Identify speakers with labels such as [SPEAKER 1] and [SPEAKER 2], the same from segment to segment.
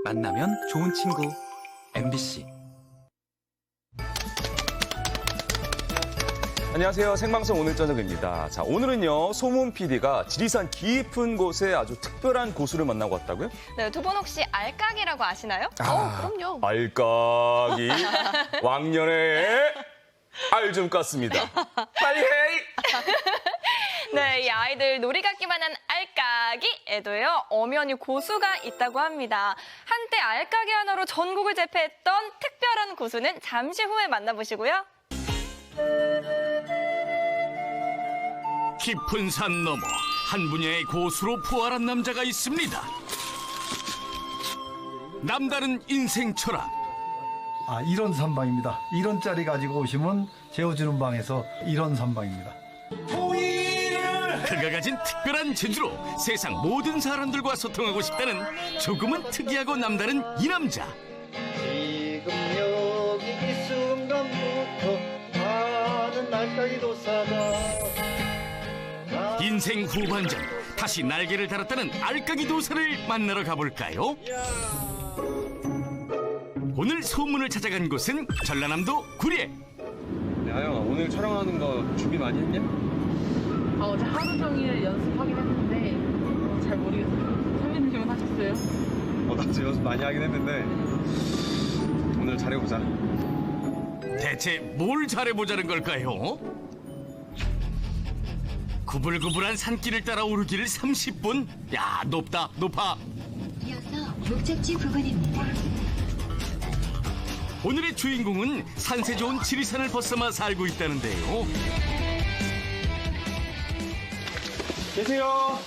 [SPEAKER 1] 만나면 좋은 친구 MBC.
[SPEAKER 2] 안녕하세요. 생방송 오늘 저녁입니다. 자, 오늘은요, 소문 PD가 지리산 깊은 곳에 아주 특별한 고수를 만나고 왔다고요?
[SPEAKER 3] 네, 두 분 혹시 알까기라고 아시나요?
[SPEAKER 4] 그럼요.
[SPEAKER 2] 알까기 왕년에 알 좀 깠습니다. 빨리 해!
[SPEAKER 3] 네, 이 아이들 놀이 같기만 한 알까기에도요, 엄연히 고수가 있다고 합니다. 한때 알까기 하나로 전국을 제패했던 특별한 고수는 잠시 후에 만나보시고요.
[SPEAKER 5] 깊은 산 너머 한 분야의 고수로 부활한 남자가 있습니다. 남다른 인생 철학.
[SPEAKER 6] 이런 산방입니다. 이런 짜리 가지고 오시면 재워주는 방에서 이런 산방입니다.
[SPEAKER 5] 그가 가진 특별한 재주로 세상 모든 사람들과 소통하고 싶다는 조금은 특이하고 남다른 이 남자.
[SPEAKER 6] 지금 여기 이 순간부터 나는 날까기 도사다.
[SPEAKER 5] 인생 후반전 다시 날개를 달았다는 알까기 도사를 만나러 가볼까요? 오늘 소문을 찾아간 곳은 전라남도 구례.
[SPEAKER 2] 하영아, 오늘 촬영하는 거 준비 많이 했냐?
[SPEAKER 4] 어제 하루 종일 연습하긴 했는데 잘 모르겠어요. 선배님은 하셨어요?
[SPEAKER 2] 나도 연습 많이 하긴 했는데 오늘 잘해보자.
[SPEAKER 5] 대체 뭘 잘해보자는 걸까요? 구불구불한 산길을 따라 오르기를 30분? 야, 높다, 높아.
[SPEAKER 7] 이어서 목적지 부근입니다.
[SPEAKER 5] 오늘의 주인공은 산세 좋은 지리산을 벗삼아 살고 있다는데요.
[SPEAKER 2] 계세요.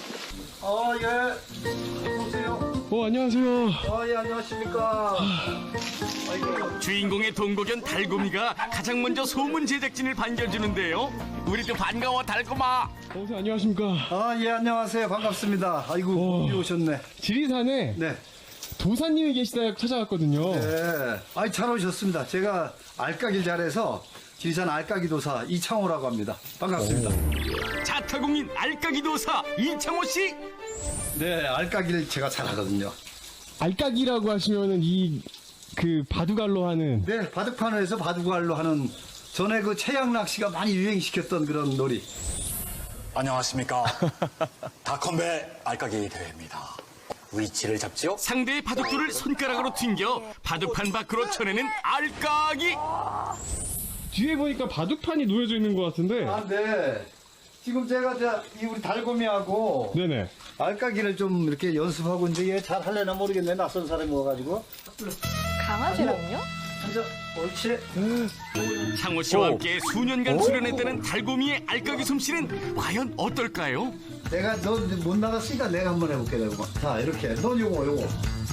[SPEAKER 6] 예. 어서오세요.
[SPEAKER 8] 안녕하세요.
[SPEAKER 6] 예, 안녕하십니까. 아이고.
[SPEAKER 5] 주인공의 동거견 달곰이가 가장 먼저 소문 제작진을 반겨주는데요. 우리도 반가워, 달곰아.
[SPEAKER 8] 선생님 안녕하십니까.
[SPEAKER 6] 예, 안녕하세요. 반갑습니다. 아이고, 여기 오셨네.
[SPEAKER 8] 지리산에
[SPEAKER 6] 네.
[SPEAKER 8] 도사님이 계시다 찾아왔거든요.
[SPEAKER 6] 네. 잘 오셨습니다. 제가 알까기를 잘해서 지리산 알까기 도사 이창호라고 합니다. 반갑습니다.
[SPEAKER 5] 자타공인 알까기 도사 이창호 씨.
[SPEAKER 6] 네, 알까기를 제가 잘하거든요.
[SPEAKER 8] 알까기라고 하시면은 그 바둑알로 하는.
[SPEAKER 6] 네, 바둑판에서 바둑알로 하는 전에 그 최양락 씨가 많이 유행시켰던 그런 놀이.
[SPEAKER 9] 안녕하십니까. 다컴배 알까기 대회입니다. 위치를 잡지요?
[SPEAKER 5] 상대의 바둑돌을 손가락으로 튕겨 바둑판 밖으로 쳐내는 알까기.
[SPEAKER 8] 뒤에 보니까 바둑판이 놓여져 있는 것 같은데.
[SPEAKER 6] 네. 지금 제가 이 우리 달고미하고
[SPEAKER 8] 네네.
[SPEAKER 6] 알까기를 좀 이렇게 연습하고 있는데 얘 잘 할래나 모르겠네. 낯선 사람이 와가지고.
[SPEAKER 3] 강아지랑요?
[SPEAKER 6] 앉아. 옳지.
[SPEAKER 5] 창호 씨와 함께 수년간 수련했다는 달곰이의 알까기 솜씨는 과연 어떨까요?
[SPEAKER 6] 내가 너 못 나갔으니까 내가 한번 해볼게. 내가. 자, 이렇게. 넌 요거.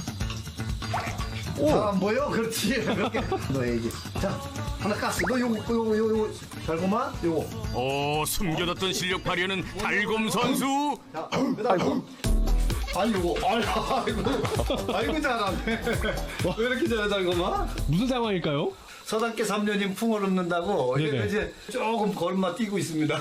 [SPEAKER 6] 잘 안 보여? 그렇지. 이렇게. 너 얘기. 자, 하나 깠어. 너 요거. 달고만 요거.
[SPEAKER 5] 오, 숨겨뒀던 실력 발휘하는 달곰 선수.
[SPEAKER 6] 자, 그다음. 아니 요거. 아이고 잘하네. 왜 이렇게 잘해 달고만?
[SPEAKER 8] 무슨 상황일까요?
[SPEAKER 6] 서당계 3년인 풍을 읊는다고
[SPEAKER 8] 네네.
[SPEAKER 6] 이제 조금 걸음마 뛰고 있습니다.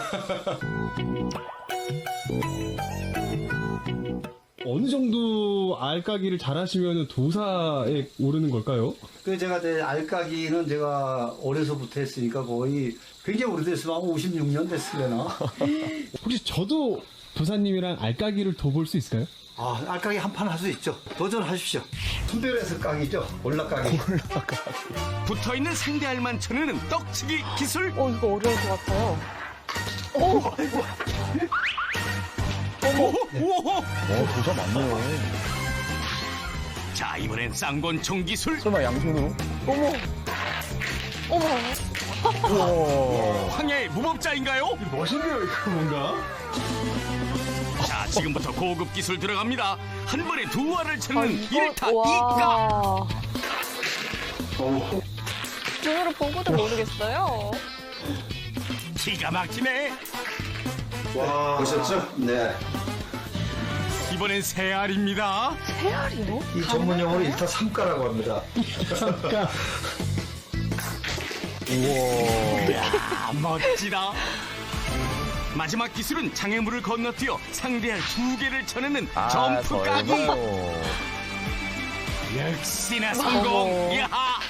[SPEAKER 8] 어느 정도 알까기를 잘하시면 도사에 오르는 걸까요?
[SPEAKER 6] 그 제가 알까기는 제가 어려서부터 했으니까 거의 굉장히 오래됐으면 한 56년 됐으려나.
[SPEAKER 8] 혹시 저도 도사님이랑 알까기를 더 볼 수 있을까요?
[SPEAKER 6] 알까기 한 판 할 수 있죠. 도전하십시오. 순별해서 까기죠. 올라까기.
[SPEAKER 5] 붙어있는 상대 알만 쳐내는 떡치기 기술.
[SPEAKER 4] 이거 어려울 것 같아요.
[SPEAKER 5] 오호.
[SPEAKER 2] 도사 맞네요.
[SPEAKER 5] 자, 이번엔 쌍권총 기술.
[SPEAKER 2] 설마 양손으로?
[SPEAKER 5] 황야의 무법자인가요?
[SPEAKER 8] 멋있네요, 이거 뭔가.
[SPEAKER 5] 자, 지금부터 고급 기술 들어갑니다. 한 번에 두 알을 쳐내는 일타 이까.
[SPEAKER 3] 와. 눈으로 보고도 모르겠어요.
[SPEAKER 5] 기가 막히네.
[SPEAKER 6] 와, 보셨죠? 네.
[SPEAKER 5] 이번엔 세 알입니다.
[SPEAKER 3] 세알이요?
[SPEAKER 6] 이 전문 용어로 일타 삼가라고 합니다.
[SPEAKER 5] 이야, 멋지다. 마지막 기술은 장애물을 건너뛰어 상대할 두 개를 쳐내는 점프 까기. 역시나 성공. 야하.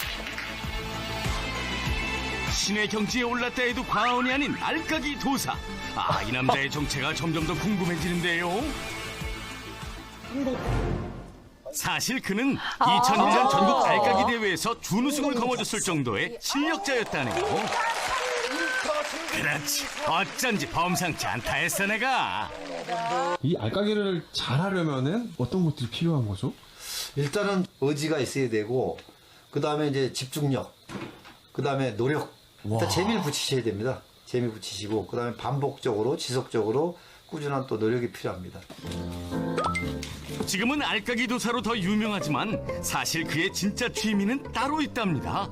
[SPEAKER 5] 신의 경지에 올랐다 해도 과언이 아닌 알까기 도사. 아, 이 남자의 정체가 점점 더 궁금해지는데요. 사실 그는 2001년 전국 알까기 대회에서 준우승을 거머쥐었을 정도의 실력자였다네요. 그렇지, 어쩐지 범상치 않다 했어 내가.
[SPEAKER 8] 이 알까기를 잘하려면은 어떤 것들이 필요한 거죠?
[SPEAKER 6] 일단은 의지가 있어야 되고, 그 다음에 이제 집중력, 그 다음에 노력. 일단 재미를 붙이셔야 됩니다. 재미 붙이시고, 그 다음에 반복적으로, 지속적으로 꾸준한 또 노력이 필요합니다.
[SPEAKER 5] 지금은 알까기 도사로 더 유명하지만 사실 그의 진짜 취미는 따로 있답니다.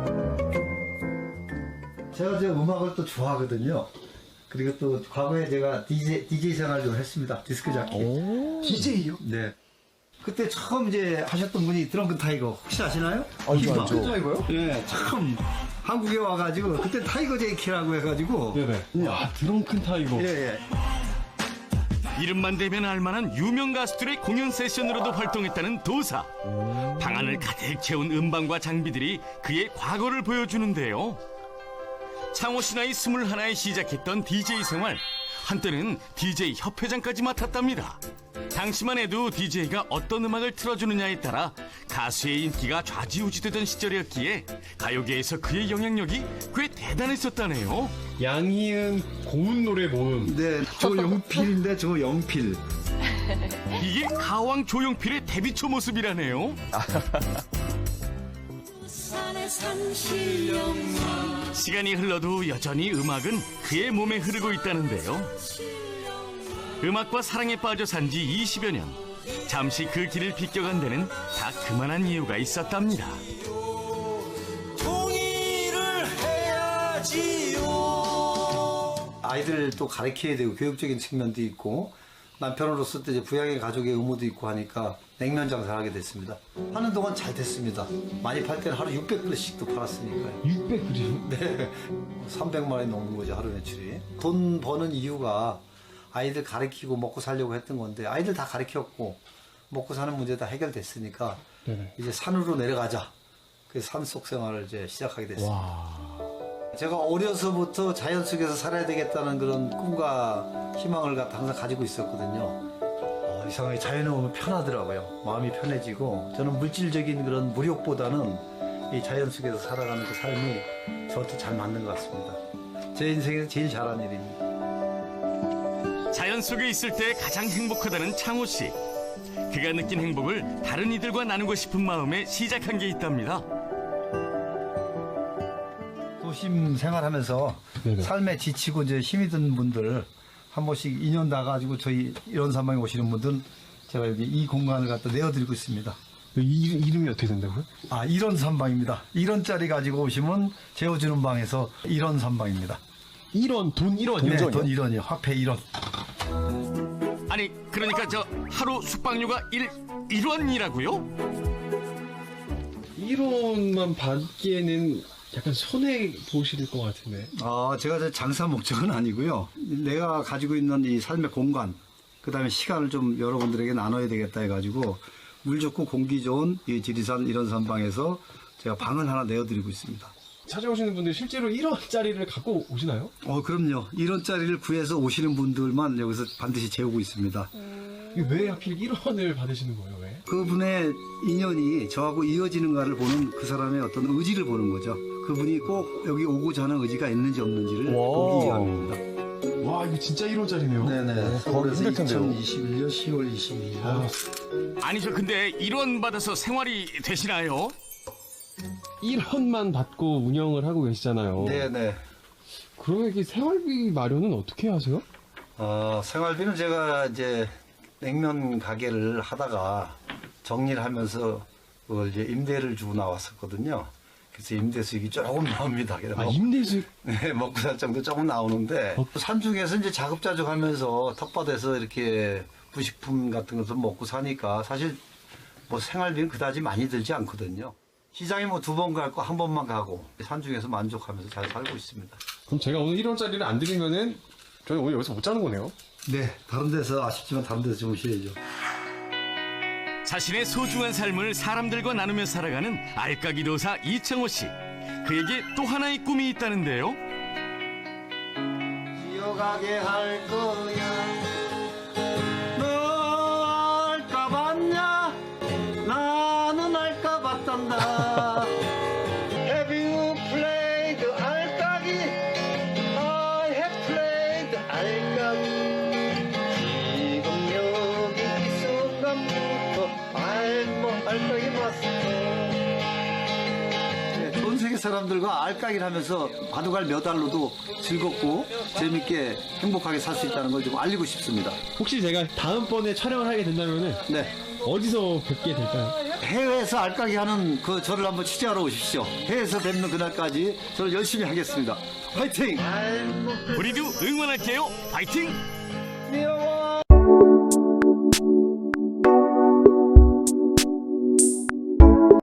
[SPEAKER 6] 제가 이제 음악을 또 좋아하거든요. 그리고 또 과거에 제가 DJ 생활을 좀 했습니다. 디스크 자키.
[SPEAKER 8] DJ요?
[SPEAKER 6] 네. 그때 처음 이제 하셨던 분이 드렁큰 타이거 혹시 아시나요?
[SPEAKER 8] 알죠. 타이거요?
[SPEAKER 6] 네, 처음 한국에 와가지고 그때 타이거 제이키라고 해가지고.
[SPEAKER 8] 네네. 와, 드렁큰 타이거.
[SPEAKER 6] 예, 예.
[SPEAKER 5] 이름만 대면 알만한 유명 가수들의 공연 세션으로도 활동했다는 도사. 방 안을 가득 채운 음반과 장비들이 그의 과거를 보여주는데요. 창호씨 나이 21에 시작했던 DJ 생활. 한때는 DJ 협회장까지 맡았답니다. 당시만 해도 DJ가 어떤 음악을 틀어주느냐에 따라 가수의 인기가 좌지우지되던 시절이었기에 가요계에서 그의 영향력이 꽤 대단했었다네요.
[SPEAKER 8] 양희은 고운 노래 모음.
[SPEAKER 6] 네, 조용필인데 조영필.
[SPEAKER 5] 이게 가왕 조용필의 데뷔초 모습이라네요. 시간이 흘러도 여전히 음악은 그의 몸에 흐르고 있다는데요. 음악과 사랑에 빠져 산 지 20여 년. 잠시 그 길을 비껴간 데는 다 그만한 이유가 있었답니다.
[SPEAKER 6] 아이들 또 가르쳐야 되고 교육적인 측면도 있고, 남편으로서 또 이제 부양의 가족의 의무도 있고 하니까 냉면 장사를 하게 됐습니다. 하는 동안 잘 됐습니다. 많이 팔 때는 하루 600그릇씩도 팔았으니까요.
[SPEAKER 8] 600그릇이요?
[SPEAKER 6] 네. 300만 원이 넘는 거죠, 하루 매출이. 돈 버는 이유가 아이들 가르치고 먹고 살려고 했던 건데, 아이들 다 가르쳤고 먹고 사는 문제 다 해결됐으니까
[SPEAKER 8] 네네.
[SPEAKER 6] 이제 산으로 내려가자. 그래서 산속 생활을 이제 시작하게 됐습니다. 제가 어려서부터 자연 속에서 살아야 되겠다는 그런 꿈과 희망을 항상 가지고 있었거든요. 이상하게 자연에 오면 편하더라고요. 마음이 편해지고, 저는 물질적인 그런 무력보다는 이 자연 속에서 살아가는 그 삶이 저한테 잘 맞는 것 같습니다. 제 인생에서 제일 잘한 일입니다.
[SPEAKER 5] 자연 속에 있을 때 가장 행복하다는 창호 씨. 그가 느낀 행복을 다른 이들과 나누고 싶은 마음에 시작한 게 있답니다.
[SPEAKER 6] 도심 생활하면서
[SPEAKER 8] 네네.
[SPEAKER 6] 삶에 지치고 이제 힘이 든 분들 한 번씩 인연 나가지고 저희 이런 산방에 오시는 분들은 제가 여기 이 공간을 갖다 내어드리고 있습니다.
[SPEAKER 8] 이름이 어떻게 된다고요?
[SPEAKER 6] 아, 이런 산방입니다. 1원짜리 가지고 오시면 재워주는 방에서 이런 산방입니다.
[SPEAKER 8] 1원, 돈 1원이요?
[SPEAKER 6] 네, 돈 1원이요. 화폐 1원.
[SPEAKER 5] 아니, 그러니까 저 하루 숙박료가 1원이라고요?
[SPEAKER 8] 1원만 받기에는 약간 손해 보실 것 같은데.
[SPEAKER 6] 아, 제가 장사 목적은 아니고요. 내가 가지고 있는 이 삶의 공간, 그 다음에 시간을 좀 여러분들에게 나눠야 되겠다 해가지고 물 좋고 공기 좋은 이 지리산 이런 산방에서 제가 방을 하나 내어드리고 있습니다.
[SPEAKER 8] 찾아오시는 분들 실제로 1원짜리를 갖고 오시나요?
[SPEAKER 6] 그럼요. 1원짜리를 구해서 오시는 분들만 여기서 반드시 재우고 있습니다.
[SPEAKER 8] 이게 왜 하필 1원을 받으시는 거예요? 왜?
[SPEAKER 6] 그분의 인연이 저하고 이어지는가를 보는 그 사람의 어떤 의지를 보는 거죠. 그분이 꼭 여기 오고자 하는 의지가 있는지 없는지를 보기 위함입니다.
[SPEAKER 8] 와, 이거 진짜 1원짜리네요.
[SPEAKER 6] 네네. 서울에서
[SPEAKER 2] 힘들 텐데요.
[SPEAKER 6] 2021년 10월 22일.
[SPEAKER 5] 아니, 저 근데 1원 받아서 생활이 되시나요?
[SPEAKER 8] 1원만 받고 운영을 하고 계시잖아요.
[SPEAKER 6] 네네.
[SPEAKER 8] 그러면 이게 생활비 마련은 어떻게 하세요?
[SPEAKER 6] 생활비는 제가 이제 냉면 가게를 하다가 정리를 하면서 그걸 이제 임대를 주고 나왔었거든요. 그래서 임대 수익이 조금 나옵니다.
[SPEAKER 8] 아, 임대수익?
[SPEAKER 6] 네, 먹고 살 정도 조금 나오는데, 산중에서 이제 자급자족하면서 텃밭에서 이렇게 부식품 같은 것을 먹고 사니까 사실 뭐 생활비는 그다지 많이 들지 않거든요. 시장에 뭐 2번 가고 1번만 가고 산중에서 만족하면서 잘 살고 있습니다.
[SPEAKER 8] 그럼 제가 오늘 1원짜리를 안 드리면은 저희 오늘 여기서 못 자는 거네요?
[SPEAKER 6] 네, 다른 데서 아쉽지만 다른 데서 좀 오셔야죠.
[SPEAKER 5] 자신의 소중한 삶을 사람들과 나누며 살아가는 알까기 도사 이창호 씨. 그에게 또 하나의 꿈이 있다는데요.
[SPEAKER 6] 기억하게 할 거야. 너 알까 봤냐? 나는 알까 봤단다. Have you played 알까기? I have played 알까기. 지금 여기 이 순간부터 알까기 봤어. 전 세계 사람들과 알까기를 하면서 바둑알 몇 알로도 즐겁고 재밌게 행복하게 살 수 있다는 걸 좀 알리고 싶습니다.
[SPEAKER 8] 혹시 제가 다음번에 촬영을 하게 된다면은
[SPEAKER 6] 네.
[SPEAKER 8] 어디서 뵙게 될까요?
[SPEAKER 6] 해외에서 알까기 하는 그 저를 한번 취재하러 오십시오. 해외에서 뵙는 그날까지 저는 열심히 하겠습니다. 화이팅!
[SPEAKER 5] 우리도 응원할게요. 파이팅!
[SPEAKER 6] 미워